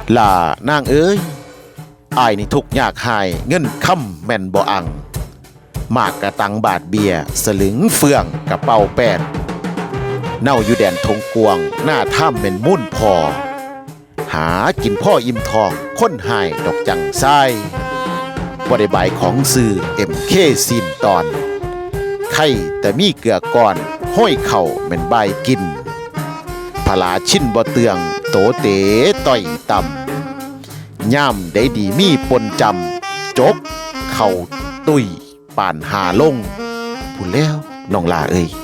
ล่านางเอ้ยอายนี่ทุกยากหายเงินค่ำแม่นบ่อังมากกระตังบาทเบียสลึงเฟืองกระเป๋าแปดเน่าอยู่แดนทงกวงหน้าถ้ำเป็นมุ่นพอหากินพ่ออิ่มทองค้นหายดอกจังไส้บ่ได้บายของซื้อMKซีนตอนไข่แต่มีเกลือก่อนห้อยเข่าแม่นใบกินพลาชิ้นบ่เตืองโตเต๋ต่อยต่ำย่ำได้ดีมีปนจำจกเข่าตุยป่านหาลงพูดแล้วน้องลาเอ้ย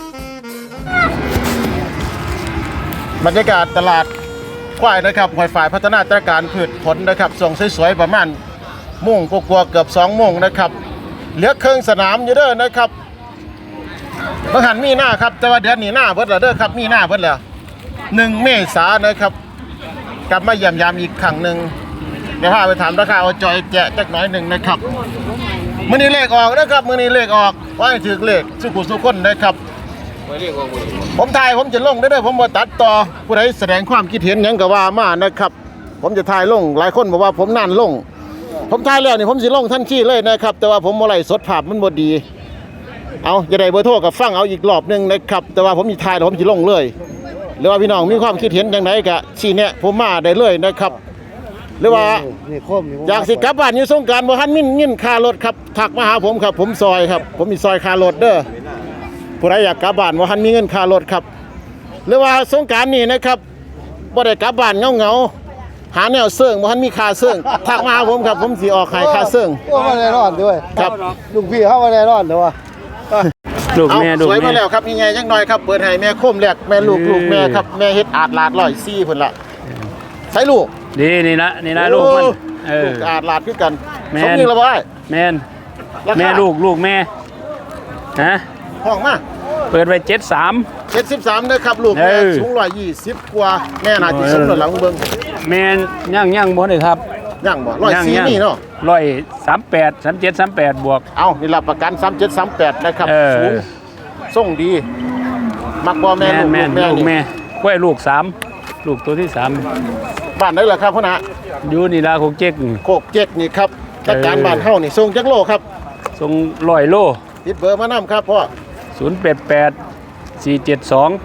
บรรยากาศตลาดควายนะครับหอยฝ่ายพัฒนาตรการพืชผลนะครับส่งสวยๆประมาณมุ่งกลัวเกือบ2โมงนะครับเหลือเครื่องสนามอยู่เด้อนะครับบางหันมีหน้าครับแต่ว่าเดือนนี้หน้าเบิดแล้วเด้อครับมีหน้าเบิดแล้ว1 เมษายนนะครับกลับมาเยี่ยมยามอีกครั้งหนึ่งเดี๋ยวพาไปถามราคาเอาจอยแจกจักหน่อยหนึ่งนะครับมื้อนี้เลขออกนะครับมื้อนี้เลขออกว่าให้ถือเลขสุขุสุขคนนะครับผมถ่ายผมจะลงได้ผมบ่ตัดต่อผู้ใดแสดงความคิดเห็นหยังก็ว่ามานะครับผมจะถ่ายลงหลายคนบอกว่าผมนั่นลงผมถ่ายแล้วนี่ผมสิลงทันทีเลยนะครับแต่ว่าผมบ่ไลฟ์สดภาพมันบ่ดีเอาจะได้เบอร์โทรกับฟังเอาอีกรอบนึงนะครับแต่ว่าผมสิถ่ายแล้วผมสิลงเลยหรือว่าพี่น้องมีความคิดเห็นจังไดก็ชี้แนะผมมาได้เลยนะครับหรือว่าอยากสิกลับบ้านอยู่สงกรานต์บ่ทันมีเงินค่ารถครับทักมาหาผมครับผมซอยครับผมมีซอยค่ารถเด้อผู้ใดอยากกลับบ้านบ่ทันมีเงินค่ารถครับหรือว่าสงกรานต์นี้นะครับบ่ได้กลับบ้านเงาหาแนวเสื่องบ่ทันมีค่าเสื่องทักมาหาผมครับผมสิออกให้ค่าเสื่องว่าแน่นอนด้วยครับลุงพี่เฮาว่าแน่นอนเด้อว่าลูกแม่สวยมาแล้วครับยังไงจังหน่อยครับเปิดให้แม่โคมแรกแม่ลูกแม่ครับแม่เฮ็ดอาดลาด104พุ่นละใส่ลูกดีนี่นะลูกมันลูกอาดลาดคือกันสมยิงแล้วบ่ได้แม่นแม่ลูกแม่ฮะห้องมาเปิดไว้73 เด้อครับลูกแม่สูง120กว่าแม่น่าสิสมแล้วหลังเบิ่งแม่ย่างบ่ได้ครับย่างบ่104นี่เนาะ 138 37 38บวกเอานี่รับประกัน37 38นะครับสูงส่งดีมักบ่แม่ลูกแม่กล้วยลูก3ลูกตัวที่3 บ้านไหนล่ะครับพ่อนะอยู่นี่ล่ะโคกเจ๊กนี่ครับจัดการบ้านเฮานี่ส่งจักโลครับส่ง100โลติดเบอร์มานำครับพ่อ 088 472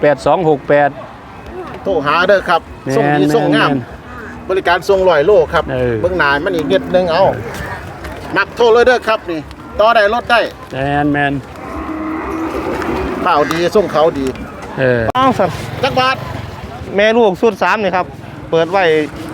8268 โทรหาเด้อครับส่งดีส่งงามบริการส่ง100โลครับเบิ่งหน้ามันอีกนิดนึงเอามักโทรเลยเด้อครับนี่ต่อได้ลดได้แมนเปล่าดีส่งเขาดีต้องสัตว์จักบาทแม่ลูกสุด3นี่ครับเปิดไว้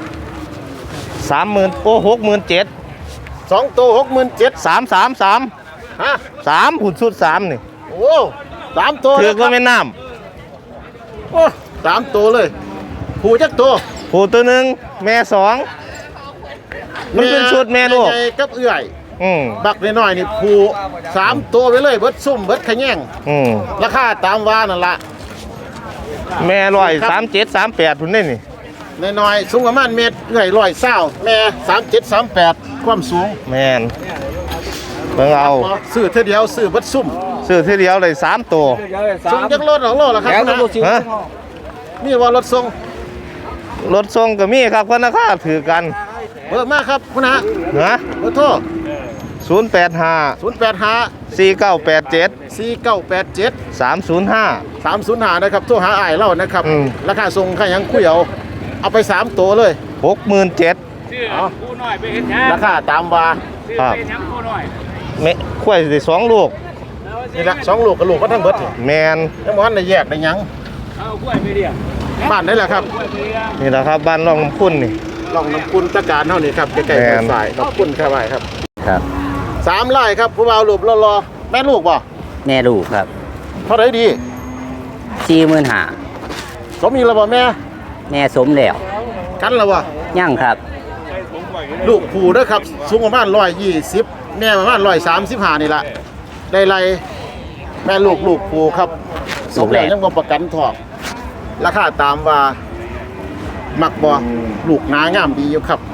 30,000โอ้67,000 2ตัว67,000 333 ฮะ 3หุ่นสุด3นี่โอ้3ตัวถือว่าแม่น้ำโอ้3ตัวเลยผู้จักตัวผู้ตัวนึงแม่2มันเป็นชุดแม่ลูกกับเอื้อยบักน้อยๆนี่ผู้3ตัวไปเลยเบิดซุ่มเบิดขะแยงราคาตามว่านั่นล่ะแม่137 38พุ่นนี่น้อยๆสูงประมาณเมตรเอื้อย120แม่37 38ความสูงแม่นเบิ่งเอาซื้อเท่าเดียวซื้อเบิดซุ่มซื้อทีเดียวเลย3ตัวส่งจักรถ2โลล่ะครับฮะนี่ว่ารถส่งก็มีครับเพิ่นราคาถือกันเบอร์มาครับคุณฮะเบอร์โทร 085 4987 305 นะครับโทรหาอ้ายเรานะครับราคาส่งค่ายังคุยเอาไป3ตัวเลย 67,000 เอาคู่น้อยไปเฮ็ดหยังราคาตามว่าครับคู่น้อยแม่ควายได้2ลูกนี่ละ2ลูกกับลูกก็ทั้งเบิดแม่นยังบ่ทันได้แยกได้หยังเอากล้วยไปเรียบ้านได้ล่ะครับนี่แหละครับบ้านร่องน้ำคุณนี่ร่องน้ำคุณตะการเฮานี่ครับใกล้ๆฝ่ายขอบคุณครับครับ 3ไร่ครับผู้บ่าวรูปรอแม่ลูกบ่แม่ลูกครับเท่าไหร่ดี 45,000 สมอีกแล้วบ่แม่สมแล้วกันแล้วบ่ยังครับลูกผู้เด้อครับสูงประมาณ120แม่ประมาณ135นี่ล่ะได้ไรแม่ลูกผู้ครับสมแล้วยังบ่ประกันทองราคาตามว่ามักบ่ลูกหนางามดีอยู่ครับ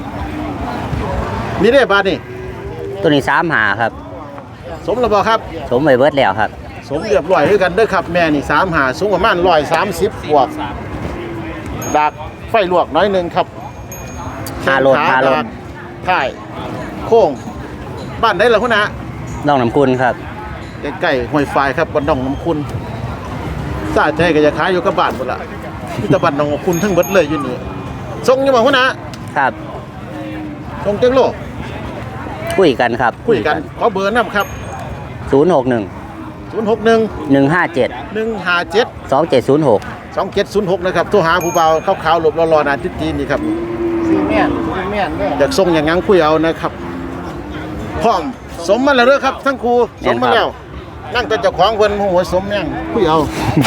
นี่ได้บาทนี่ตัวนี้35ครับสมแล้วบ่ครับสมไปเบิดแล้วครับสมเรียบร้อยคือกันเด้อครับแม่นี่35สูงประมาณ130บวกดักไฟลวกน้อยนึงครับแข้งขาดากถ่ายโค้งบ้านได้เหรอคุณนะน้องน้ำคุณครับใกล้ๆห้วยไฟครับบ้านหนองน้ำคุณซาใจก็จะขายอยู่กับบ้านหมดละที่ตะบ้านหนองน้ำคุณทั้งเบิดเลยอยู่นี่ส่งอยู่บ่คุณนะครับ ส่งเจ้งโลคุยกันครับคุยกันขอเบอร์นำครับ 061 061 157 157 2706 2706นะครับโทรหาผู้เบาขาวๆหลบรอๆนาทิตย์จีนนี่ครับซีแม่นอยากส่งอย่างงั้นคุยเอานะครับพร้อมสมมาแล้วเด้อครับทั้งครูสมมาแล้วนั่งแต่เจ้าของเพิ่นหัวสมแม่งคุยเอา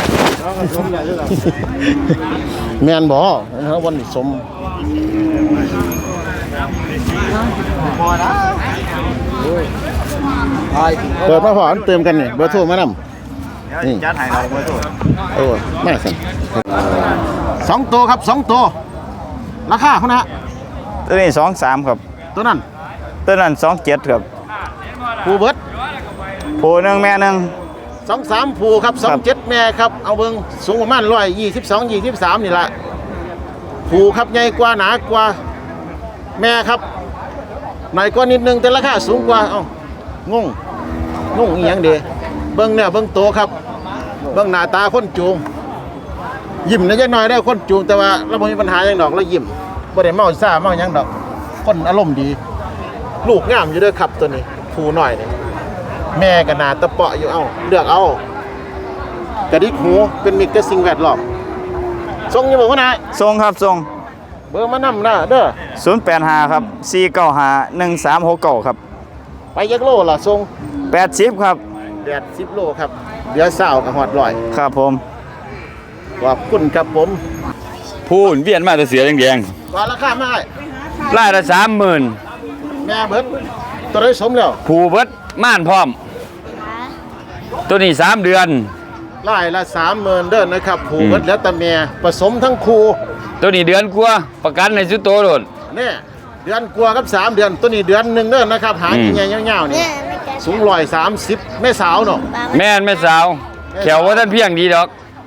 แม่นบ่นะครับวันนี้สมพอนะเปิดมาพออันเติมกันนี่เบอร์โทรมานำนี่จัดให้เราเบอร์โทรโอ้มาสั่น2ตัวครับ2ตัวราคาเท่านะตัวนี้23ครับตัวนั้นตัวนั้น27ครับผู้เบิดผู้หนึ่งแม่หนึ่ง 23ผู้ครับ27แม่ครับเอาเบิ่งสูงประมาณ122 23นี่ล่ะผู้ครับใหญ่กว่าหนากว่าแม่ครับหน่อยกว่านิดนึงแต่ราคาสูงกว่าเอ้างงอีหยังเด้เบิ่งเนี่ยเบิ่งโตครับเบิ่งหน้าตาคนจูงยิ้มนิดหน่อยได้คนจูงแต่ว่าเราบ่มีปัญหาหยังดอกเรายิ้มบ่ได้เมาซ่าเมาหยังดอกคนอารมณ์ดี ลูกงามอยู่เด้อครับตัวนี้ผู้น้อยนี่แม่ก็หน้าตะเปาะอยู่เอ้าเลือกเอากระดิกหูเป็นมิตรกับสิ่งแวดล้อมส่งอยู่บ่ว่านะทรงครับทรงเบอร์มานำนะเด้อ 085ครับ495 1369ครับไปยักโลล่ะส่ง 80ครับ 10โลครับเดี๋ยวเช้าก็ฮอดร้อยครับผมขอบคุณครับผมพูนเวียนมาแต่เสียแดงว่าราคามาให้ๆไล่ละ30,000 แม่เบิดตัวได้สมแล้วผูเบิดม่านพร้อม ตัวนี้3 เดือนไล่ละ 30,000เด้อนะครับผูเบิดแล้วแต่แม่ผสมทั้งคู่ตัวนี้เดือนกว่าประกันในสุดโตโดดนี่เดือนกว่ากับ3เดือนตัวนี้เดือนหนึงเด้อนะครับหางใหญ่ๆยาวๆนี่สูง130แม่สาวเนาะแม่นแม่สาว แขวว่าท่านเพียงดีดอก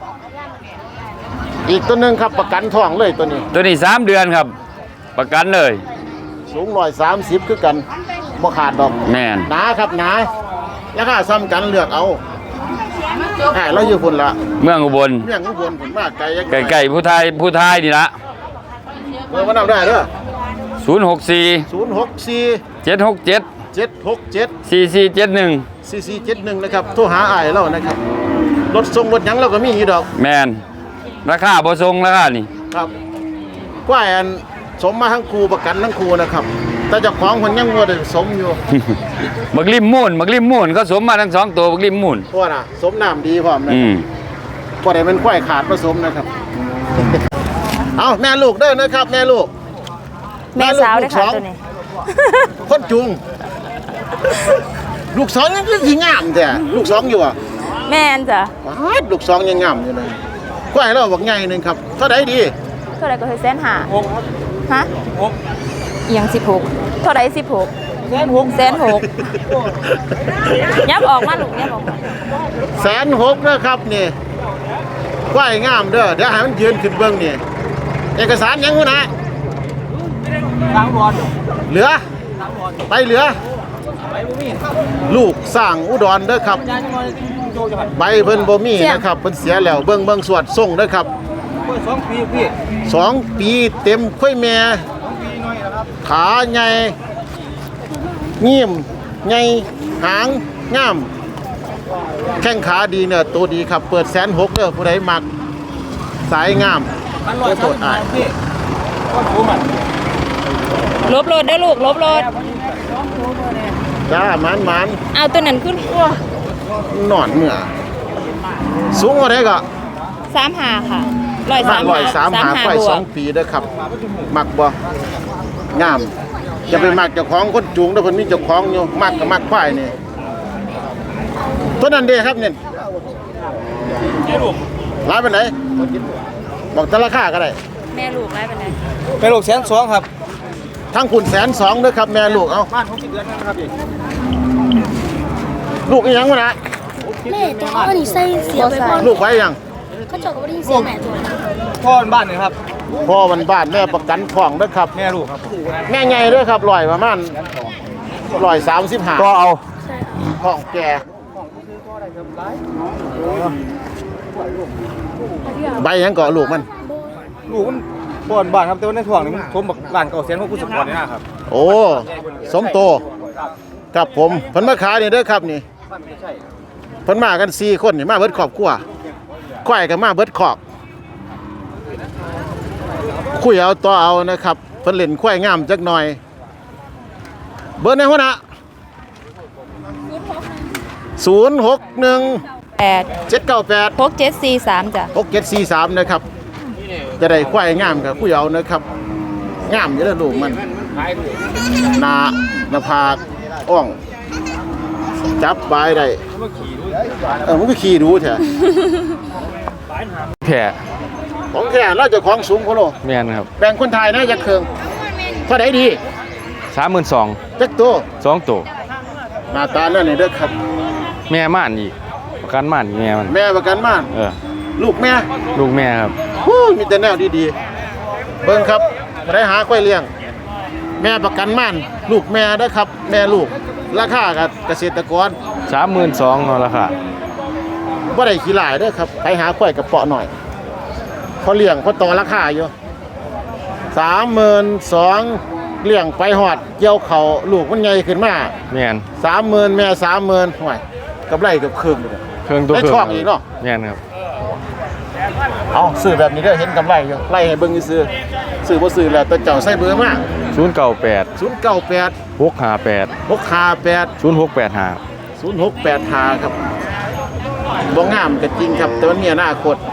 อีกตัวหนึงครับประกันท้องเลยตัวนี้ตัวนี้3 เดือนครับ ประกันเลยสูง130คือกันบ่ขาดดอกแม่นหนาครับหนาราคาซ้ำกันเลือกเอาเราอยู่พุ่นละเมืองอุบลเมี่ยงอุบลพุ่นมากไกลยังไก่ๆผู้ไทยนี่ละเบอร์มานำได้เด้อ 064 064 767 767 4471 4471นะครับโทรหาอ้ายเรานะครับรถส่งรถหยังเราก็มีอยู่ดอกแม่นราคาบ่ทรงราคานี่ครับกล้วยอันสมมาทั้งครูประกันทั้งครูนะครับแต่เจ้าของเพิ่นยังบ่ได้สมอยู่บักริมมูนเขาสมมาทั้ง2ตัวบักริมมูนเพราะว่าน่ะสมน้ำดีพร้อมนะ บ่ได้เป็นควายขาดผสมนะครับ เอาแม่ลูกเด้อนะครับ แม่ลูกแม่สาวด้วยค่ะตัวนี้คนจุง ลูกสองยังคือสิงามแต่ลูกสองอยู่อ่ะแม่นจ้ะว้าดลูกสองยังงามอยู่เลยควายเราบอกใหญ่หนึงครับเท่าใดดีเท่าไหรก็คือ150,000ฮะเอียง16เท่าไหร16 160,000ยับออกมาลูกยับออกมา 160,000นะครับนี่ควายงามเด้อเดี๋ยวให้มันยืนขึ้นเบิ่งนี่เอกสารยังหูนะเหลือไปเหลือ ลูกสร้างอุดรเด้อครับใบเพิ่นบ่มีนะครับเพิ่นเสียแล้วเบิ่งสวดส่งเด้อครับ2 ปีเต็มค่อยแม่ขาใหญ่เงี่ยมใหญ่หางงามแข้งขาดีเนี่ยตัวดีครับเปิด160,000เด้อผู้ใดมักสายงามโตดอ้ายลบรถเด้อลูกลบรถจ้าหมานเอาตัวนั้นขึ้นๆนอนเหนือสูงกว่าได้ก็ 35ค่ะ 135 135 ไปบวก 2 ปีเด้อครับ มักบ่งามจะไปมักเจ้าของคนจูงเด้อเพิ่นมีเจ้าของอยู่มักก็มักควายนี่ตัวนั้นเด้ครับเนี่ยหลายปานไหนบอกแต่ราคาก็ได้แม่ลูกไรเป็นไงเป็นลูก120,000ครับทั้งคุณ120,000เด้อครับแม่ลูกเอาบ้าน60 เดือนนะครับพี่ลูกอีหยังวะนะแม่แต่ว่าวันนี้ใส่เสียไปพ่อลูกไว้ยังเขาเจาะกับวันนี้เสียแม่ตัวพ่อบ้านนี่ครับพ่อบ้านๆแม่ประกันท้องเด้อครับแม่ลูกครับแม่ใหญ่เด้อครับร้อยประมาณ135 ก็เอาท้องแก่ใบหยังเกาะลูกมันลูกมันบ่อนบ้านครับแต่ว่าในถ่วงนี่มันผมบักบ้านเก่าเสียนของผู้สปอร์ตนี่นะครับโอ้สมโตครับผมเพิ่นมาขายนี่เด้อครับนี่เพิ่นมากัน4คนนี่มาเบิดครอบครัวควายก็มาเบิดคอกคุยเอาต่อเอานะครับเพิ่นเล่นควายงามจักหน่อยเบอร์ในหัวหน้า061 8 798 6743จ้ะ 6743นะครับจะได้ควายงามกับคุยเอานะครับงามอยู่แล้วลูกมันหน้าผากอ่องจับบายได้มันก็ขี่ดูแท้แผ่ของแท้เราจะของสูงโคโลแม่นครับแบ่งคนไทยนะจะเคืองเท่าไหร่ดี 32,000 จักตัว 2ตัวหน้าตาแล้วนี่เด้อครับแม่ม่านอีกประกันม่านอีกแม่มันแม่ประกันม่าน ลูกแม่ลูกแม่ครับฮู้มีแต่แนวดีๆเบิ่งครับบ่ได้หาควายเลี้ยง แม่ประกันม่านลูกแม่เด้อครับ แม่ลูกราคากับเกษตรกร 32,000เนาะราคาบ่ได้ขี้หลายเด้อครับไปหาควายกระเปาะหน่อยเขาเลี้ยงเขาต่อราคาอยู่32,000เลี้ยงไปฮอดเกี่ยวเขาลูกมันใหญ่ขึ้นมาแม่น 30,000แม่30,000ห่วยกำไรเกือบครึ่งเลยเครื่องตัวได้เครื่ช่องอีกเนาะแม่นครับเอาซื้อแบบนี้เด้อเห็นกำไรอยู่ไล่ให้เบิ่งซื้อซื้อบ่ซื้อแล้วแต่เจ้าใส่เบอร์มา 098 098 658 658 0685 0685ครับบ่งามก็จริงครับแต่มันมีอนาคต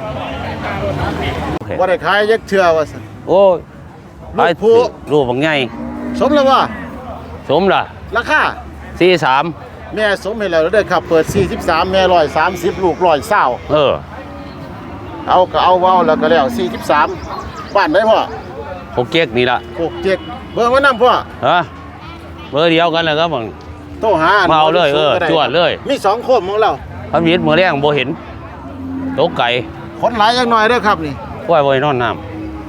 บ่ได้ขายยักเทื่อว่าซั่นโอ้ยลูกผู้ลูกบางใหญ่สมแล้วว่าสมล่ะราคา 43 แม่สมให้แล้วเด้อครับเปิด43แม่130ลูก120 เอาก็เอาเว้าแล้วก็แล้ว43บ้านได้พ่อพวกเก๊กนี่ล่ะ 67เบอร์มานำพ่อฮะเบอร์เดียวกันเลยครับมึงโทรหามาเอาเลยจวดเลยมี2โคมของเราพันวิทย์มื้อแรงบ่เห็นตกไก่คนหลายจังหน่อยเด้อครับนี่ปล่อยบ่ให้นอนน้ำ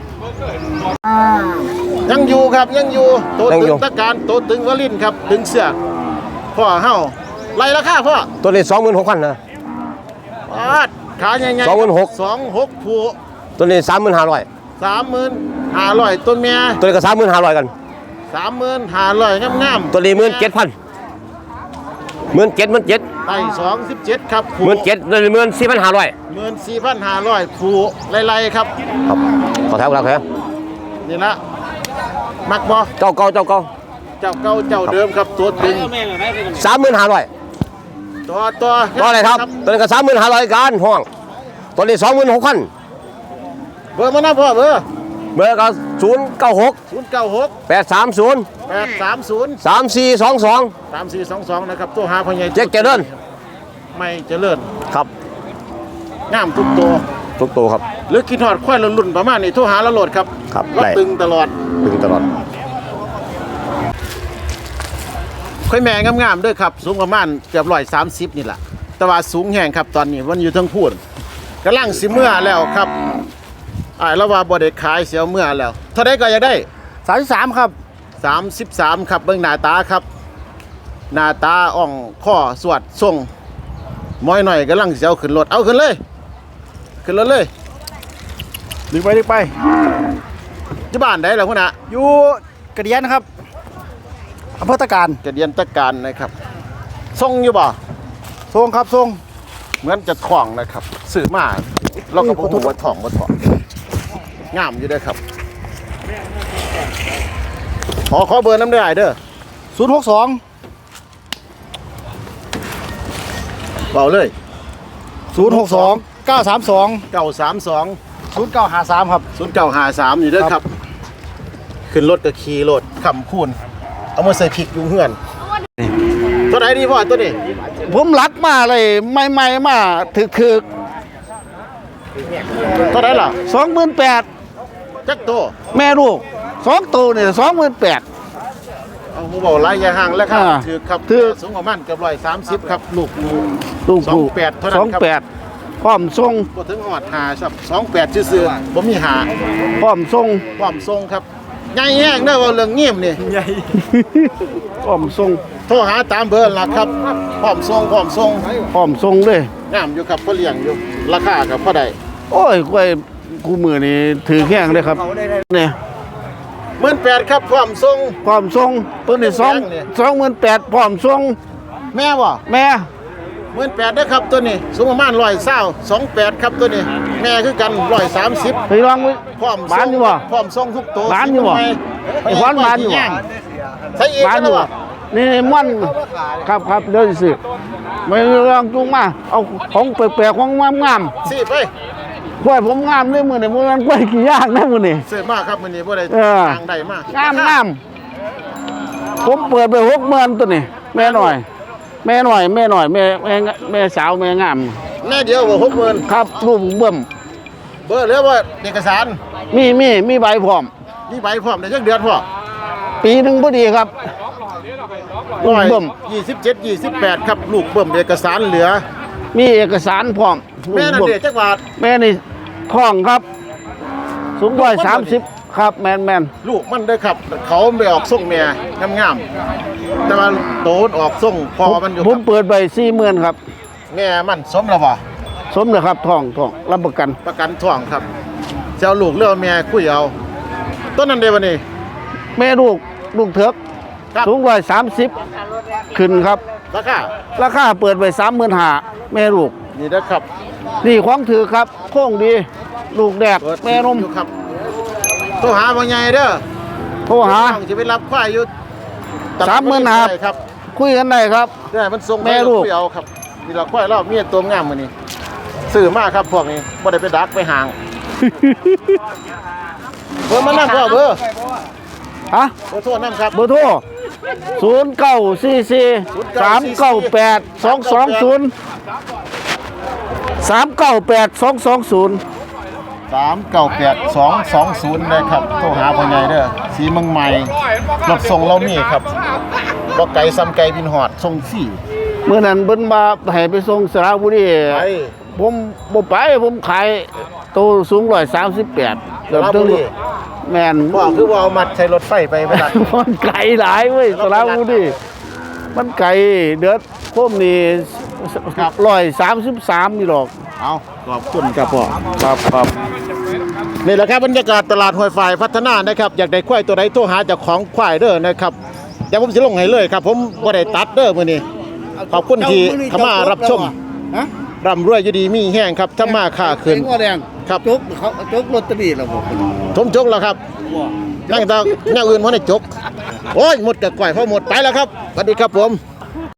ยังอยู่ครับยังอยู่โตตึงตะการโตตึงวลินครับตึงเสือกพ่อเฮาไล่ราคาพ่อตัวนี้ 26,000นะปาดขาใหญ่ๆ 26ผู้ตัวนี้ 35,000 35,500ต้นเมียตัวนี้ก็ 35,000 กัน 35,500งามๆตัวนี้ 17,000 17,000 ได้27ครับผู้ 17,000ตัวนี้ 14,500 14,500ผู้ไล่ๆครับครับขอแถวครับแถวนี่ละมักบ่เจ้าเก่าเจ้าเก่าเจ้าเดิมครับตัวตึง 35,000 ตัวก็อะไรครับตัวนี้ก็35,000กันห้องตัวนี้ 26,000 เบอร์มานะพ่อเบอร์เบอร์ก็096 096 830 830 3422 3422นะครับตัวหาพ่อใหญ่เจ๊กเจริญไม่เจริญครับงามทุกตัวทุกตัวครับหรือกินทอดควายรุ่นๆประมาณนี้โทรหาเราโหลดครับครับเราได้ตึงตลอดดึงตลอดค่อยแม่งามๆด้วยครับสูงประมาณเกือบ130นี่แหละแต่ว่าสูงแห้งครับตอนนี้มันอยู่ทั้งพูดกำลังสิเมื่อแล้วครับแล้วว่าบ่ได้ขายเสียเมื่อแล้วเท่าใดก็อยากได้ 33ครับ 33ครับเบิ่งหน้าตาครับหน้าตาอ่องข้อสวดทรงม้อยหน่อยกำลังสิเอาขึ้นรถเอาขึ้นเลยขึ้นรถเลยดึงไปที่บ้านได้แล้วพุ่นน่ะอยู่กระเดียนครับอำเภอตะการกระเดียนตะการนะครับทรงอยู่บ่ทรงครับทรงเหมือนจะถ่องนะครับซื้อมาเราก็บ่ฮู้ว่าถ่องบ่ถ่องงามอยู่เด้อครับขอเบอร์น้ำได้เด้อ 062 เบาเลย 062 932 932 0953ครับ 0953อยู่เด้อครับ ขึ้นรถก็ขี่รถขำคูณเอามาใส่พริกอยู่เฮือนตัวไหนดีพ่อตัวนี้ผมรักมาเลยใหม่ๆมาถึกตัวไหนล่ะ 28,000 จักตัวแม่ลูก2ตัวเนี่ย28,000 เอาผมบอกไล่ยาห่างแล้วครับอ่าถือครับถือสูงประมาณเกือบ130ครับลูกลูกผู้ 28เท่านั้นครับ 28 พร้อมทรงบ่ถึงหอดหาครับ28ซื่อๆบ่มีหาพร้อมทรงพร้อมทรงครับใหญ่แห้งเด้อว่าเรื่องเงียบนี่พร้อมทรงโทรหาตามเบอร์ล่ะครับพร้อมทรงพร้อมทรงเลยงามอยู่ครับพอเลี้ยงอยู่ราคาก็พอได้โอ้ยกล้วยกูมือนี่ถือแข้งเลยครับเนี่ย 18,000ครับพร้อมทรงพร้อมทรงตัวนี้28,000พร้อมทรงแม่บ่แม่ 18,000เด้อครับตัวนี้สูงประมาณ128ครับตัวนี้แม่คือกัน130 ไปลองไว้พร้อมบ้านอยู่บ่พร้อมทรงทุกตัวบ้านอยู่บ่ไอ้ขวัญบ้านอยู่บ่ใช่อีกบ้านอแล้วยู่บ่นี่ม่อนครับเดี๋ยวสิไม่ลองจุงมาเอาของแปลกๆของงามสิไปๆกล้วยผมงามเลยมื้อนี้มันกล้วยกี่ย่างนะมื้อนี้ซื้อมาครับมื้อนี้บ่ได้เออทางใดมางามผมเปิดไป60,000ตัวนี้แม่หน่อยแม่สาวแม่งามแม่เดียวบ่60,000 ครับรูปเบิ่มเบอร์เหลือว่าเอกสารมีใบพร้อมมีใบพร้อมได้จักเดือนพ่อปีหนึงพอดีครับลูกเบิ่ม 27 28ครับลูกเบิ่มเอกสารเหลือมีเอกสารพร้อมลูแม่กนั่นเบิ่มเด้จักบาทแม่นี่ท้องครับ สูง130ครับแมนลูกมันเด้อครับ เขาไม่ออกส่งแม่งามๆแต่ว่าโตนออกส่งพอมันอยู่ผคมรับเปิดไป40,000ครับแม่มันสมแล้วบ่สมเลยครับท้องรับประกันประกันท้องครับจะเอาลูกเลือกแม่คุยเอาต้นนั้นเด้บัดนี้แม่ลูกเถิกครับสูง130ขึ้นครับราคาราคาเปิดไป35,000แม่ลูกนี่นะครับนี่ของถือครับโค้งดี ลูกแดกเปิดแม่นมอยู่ครับโทรหาบ่ใหญ่เด้อโทรหาต้องจะไปรับควายอยู่ 35,000 ใช่ครับคุยกันได้ครับได้มันส่งแม่ลูกคุยเอาครับนี่เราควายเรามีตัวงามมื้อนี้ซื้อมาครับพวกนี้บ่ได้ไปดักไปห่าง เบอร์มานํพ่อเบอร์ฮะเบอร์โทรนํครับเบอร์โทร0944 398 220 398 220 398220นะครับโทรหาพ่อใหญ่เด้อสีเมืองใหม่รถส่งเรามีครับบ่ไกลซ้ำไกลบินฮอดส่งฟรีเมื่อนั้นเบิ่นมาให้ไปส่งสระบุรีไปผมบ่ไปผมขายโตวสูง138เกือบถึงแม่นพ่อคือว่าเอามัดใช้รถไฟไปดักมันไกลหลายเว้ยสระบุรีมันไกลเดือดโคมนี่133นี่หรอกเอาขอบคุณครับพ่อครับนี่แหละครับบรรยากาศตลาดห้วยฝ่ายพัฒนานะครับอยากได้ควายตัวใดโทรหาเจ้าของควายเด้อนะครับเดี๋ยวผมสิลงให้เลยครับ ผมบ่ได้ตัดเด้อมื้อนี้ขอบคุณที่เข้ามารับชมฮะร่ำรวยอยู่ดีมีแห้งครับถ้ามาค่าขึ้นเสียงว่าแดงครับจกเขาจกลอตเตอรี่แล้วบ่ทมจกแล้วครับนั่งตาแนวอื่นบ่ได้จกโอ้ยหมดกับก่อยพอหมดไปแล้วครับสวัสดีครับผม